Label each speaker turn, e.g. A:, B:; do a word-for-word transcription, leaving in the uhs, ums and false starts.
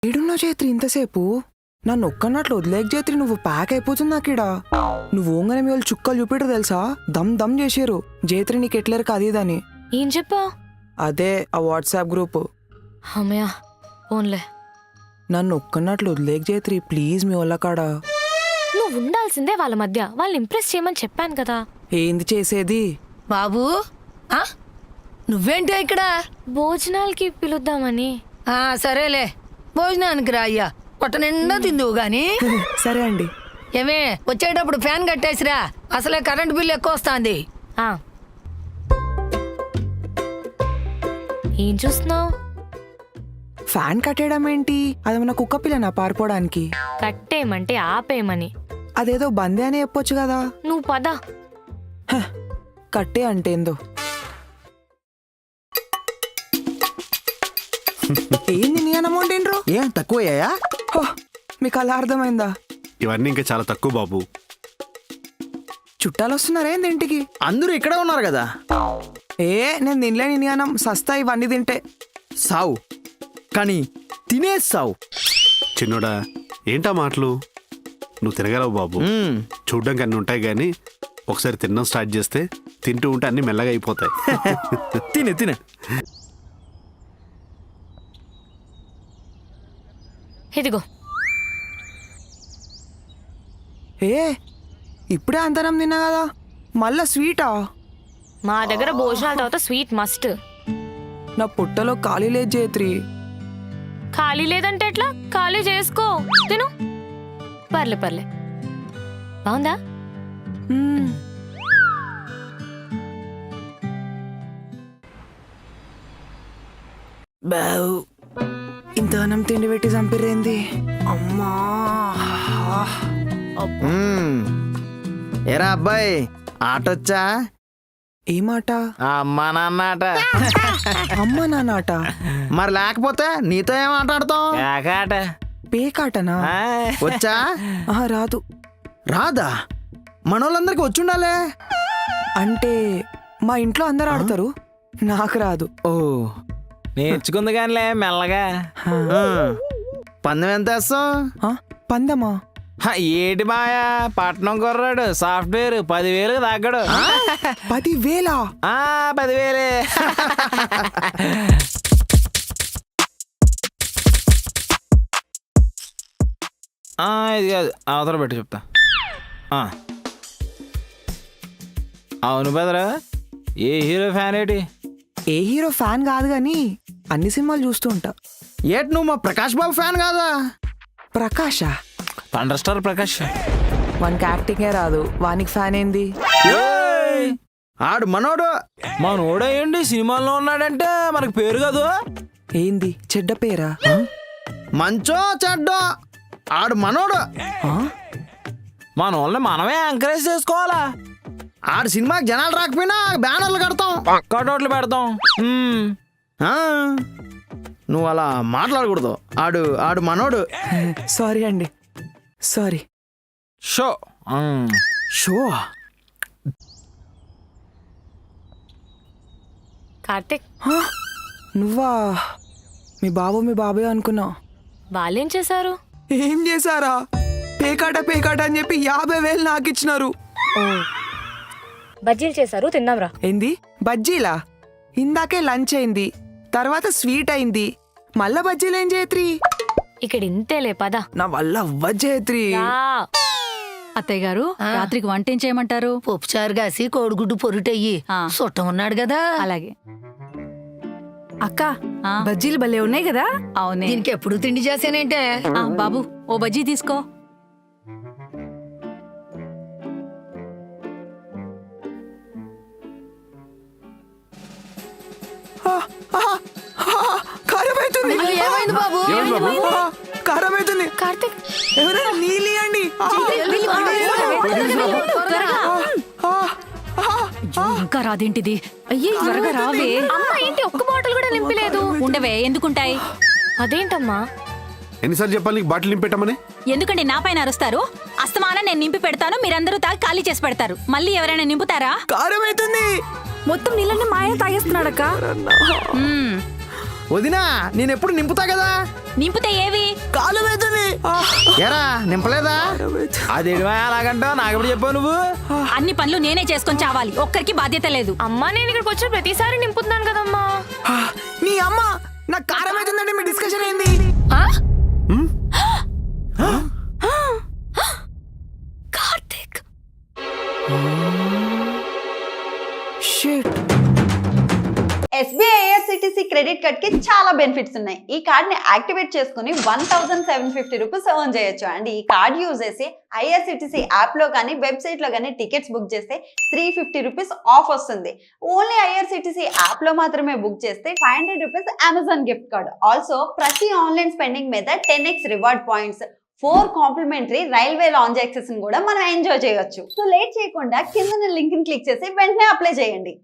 A: ఏడున్నా చేత్రి ఇంతసేపు నన్ను ఒక్కన్నట్లు వదిలేక చేత్రి నువ్వు ప్యాక్ అయిపోతుంది నాకిడా. నువ్వు ఓంగనే మీ వాళ్ళు చుక్కలు చూపిటరు తెలుసా, దమ్ దమ్ చేసారు జేత్రి నీకు ఎట్లేరు కదీదని.
B: ఏం చెప్పా?
A: అదే ఆ వాట్సాప్ గ్రూప్.
B: అమ్మయ్యా ఓన్లే.
A: నన్ను ఒక్కన్నట్లు వదిలేక చేత్రి ప్లీజ్ మీ వాళ్ళ కాడ.
B: నువ్వు ఉండాల్సిందే వాళ్ళ మధ్య, వాళ్ళని ఇంప్రెస్ చేయమని చెప్పాను కదా.
A: ఏంది చేసేది
C: బాబు? నువ్వేంటి ఇక్కడ?
B: భోజనాలకి పిలుద్దామని.
C: ఆ సరేలే, భోజనానికి రా అయ్యా, పొట్ట నిండా తిందువు గాని.
A: సరే అండి.
C: ఏమే వచ్చేటప్పుడు ఫ్యాన్ కట్టేసిరా, అసలే కరెంట్ బిల్ ఎక్కువ వస్తుంది.
B: ఏం చూస్తున్నావు?
A: ఫ్యాన్ కట్టేయడం ఏంటి? అదేమన్నా కుక్క పిల్లనా పారిపోవడానికి?
B: కట్టేయమంటే ఆపేయమని.
A: అదేదో బందే అని చెప్పొచ్చు కదా.
B: నువ్వు పద.
A: కట్టే అంటేందో. ఏంది నీ అమౌంట్ ఏంట్రో?
D: ఏం తక్కువయ్యాయా?
A: మీకు అలా అర్థమైందా?
E: ఇవన్నీ ఇంకా చాలా తక్కువ బాబు.
A: చుట్టాలు వస్తున్నారేంది ఇంటికి?
D: అందరూ ఇక్కడే ఉన్నారు కదా.
A: ఏ నేను తినలేని నీ అన్నం, సస్తా ఇవన్నీ తింటే.
D: సావు కానీ తినే సావు.
E: చిన్నోడా ఏంటా మాటలు? నువ్వు తినగలవు బాబు. చూడ్డానికి అన్ని ఉంటాయి కానీ ఒకసారి తినడం స్టార్ట్ చేస్తే తింటూ ఉంటే అన్ని మెల్లగా అయిపోతాయి.
D: తినే తినే.
B: ఇదిగో.
A: ఏ ఇప్పుడే అంతనం తిన్నా కదా, మళ్ళా స్వీటా?
B: మా దగ్గర భోజనాల తర్వాత స్వీట్ మస్ట్.
A: నా పుట్టలో ఖాళీ లేదు జేత్రి.
B: ఖాళీ లేదంటే ఎట్లా? ఖాళీ చేసుకో, తిను. పర్లే పర్లే. బాగుందా?
A: బావు ఇంత అన్నం తిండి పెట్టి చంపిరేంది అమ్మా.
D: ఏరా అబ్బాయి, ఆటొచ్చా?
A: ఏ మాట?
D: అమ్మా నాన్న ఆట.
A: అమ్మా నాన్న.
D: మరి లేకపోతే నీతో ఏం ఆటాడతాం? ఆట.
A: పేకాటనా?
D: వచ్చా?
A: ఆహా రాదు.
D: రాదా? మనోళ్ళందరికి వచ్చుండాలే.
A: అంటే మా ఇంట్లో అందరు ఆడతారు, నాకు రాదు.
D: ఓ నేర్చుకుంది కానిలే మెల్లగా. పందెం ఎంత వేస్తాం?
A: పందమా?
D: ఏటి మాయా, పట్నం కుర్రాడు సాఫ్ట్వేర్ పదివేలు తగ్గడు.
A: పదివేలా?
D: పదివేలే. ఇది కాదు, అవతల పెట్టి చెప్తా. అవును బెదరా, ఏ హీరో ఫ్యాన్ ఏంటి?
A: ఏ హీరో ఫ్యాన్ కాదు గాని అన్ని సినిమాలు చూస్తూ ఉంటా.
D: ఏటి నువ్వు మా ప్రకాష్ బాబు ఫ్యాన్ కాదా?
A: ప్రకాషా?
D: Thunder star Prakash.
A: వానికి యాక్టింగే రాదు, వానికి ఫ్యాన్ ఏంది?
D: ఆడు మనోడు. మనోడు ఏంటి సినిమాల్లో ఉన్నాడంటే మనకు పేరు కాదు.
A: ఏంది చెడ్డ పేరా?
D: మంచో చెడ్డో ఆడు మనోడు. మన వాళ్ళని మనమే ఎంకరేజ్ చేసుకోవాలా. ఆడు సినిమాకి జనాలు రాకపోయినా బ్యానర్లు కడతాం, కటౌట్లు పెడతాం. నువ్వు అలా మాట్లాడకూడదు. ఆడు ఆడు మనోడు.
A: సారీ అండి, సారీ.
D: Show show.
B: కార్తిక్,
A: నువ్వా? మీ బాబు మీ బాబే అనుకున్నా.
B: వాళ్ళేం చేశారు?
A: ఏం చేశారా? పేకాట పేకాట అని చెప్పి యాభై వేలు నాకు ఇచ్చినారు.
B: బజ్జీలు చేశారు, తిందాంరా.
A: ఏంది బజ్జీలా? ఇందాకే లంచ్ అయింది, తర్వాత స్వీట్ అయింది, మళ్ళా బజ్జీలు ఏం జేత్రి?
B: ఇక్కడ ఇంతేలే, పద.
A: నా వల్ల అవ్వ జేత్రి.
F: అత్తయ్య గారు, రాత్రికి వంట ఏం చేయమంటారు?
C: పప్పుచారు కాసి కోడిగుడ్డు పొరుటయ్యి, చుట్టం ఉన్నాడు కదా.
F: అలాగే.
G: అక్క, బజ్జీలు భలే ఉన్నాయి కదా.
F: అవునే.
C: దీనికి ఎప్పుడు తిండి చేసానంటే.
F: బాబు ఓ బజ్జీ తీసుకో.
A: కారమైతుంది.
C: ఏమైంది బాబు?
A: కారమైతుంది.
B: కార్తిక్,
A: ఎవరైనా నీళ్ళియండి.
F: ఇంకా రాదేంటిది? అయ్యే త్వరగా రావే.
B: అమ్మా ఏంటి ఒక్క బాటిల్ కూడా నింపలేదు?
F: ఉండవే, ఎందుకుంటాయి?
B: అదేంటమ్మా?
E: ఎన్నిసార్లు చెప్పాలి నీకు బాటిల్ నింపెట్టమని?
F: ఎందుకంటే నా పైన అరుస్తారు? అస్తమానం నేను నింపి పెడతాను, మీరందరూ తాగి ఖాళీ చేసి పెడతారు. మళ్ళీ ఎవరైనా నింపుతారా?
A: కారమైతుంది.
G: మొత్తం నీళ్ళని మా ఆయన తాగేస్తున్నాడక్క.
D: వదినా నేను ఎప్పుడు నింపుతా కదా.
F: నింపితే ఏవి
D: కాలు వేతుంది. ఎరా నింపలేదా? అది అలాగంటావు, నాకెప్పుడు చెప్పావు నువ్వు?
F: అన్ని పనులు నేనే చేసుకొని చావాలి, ఒక్కరికి బాధ్యత లేదు.
B: అమ్మా నేను ఇక్కడికి వచ్చిన ప్రతిసారి నింపుతున్నాను కదమ్మా.
A: ఆ, నీ అమ్మ నాకు కారం అవుతుందంటే మీ డిస్కషన్ ఏంది?
B: ఆ?
E: ఉమ్,
B: Karthik
A: shit.
H: SBI IRCTC credit card కి చాలా బెనిఫిట్స్ ఉన్నాయి. ఈ కార్డ్ ని యాక్టివేట్ చేసుకుని one thousand seven fifty rupees earn చేయొచ్చు. అండ్ ఈ కార్డ్ యూజ్ చేసి ఐఆర్సిటీసీ యాప్ లో కానీ వెబ్సైట్ లో కానీ టికెట్స్ బుక్ చేస్తే త్రీ ఫిఫ్టీ రూపీస్ ఆఫ్ వస్తుంది. ఓన్లీ ఐఆర్సిటీసీ యాప్ లో మాత్రమే బుక్ చేస్తే five hundred rupees Amazon gift card. Also ప్రతి ఆన్లైన్ స్పెండింగ్ మీద ten X reward points, four complimentary railway lounge access కూడా మనం ఎంజాయ్ చేయొచ్చు. సో లేట్ చేయకుండా కింద లింక్ ని క్లిక్ చేసి వెంటనే అప్లై చేయండి.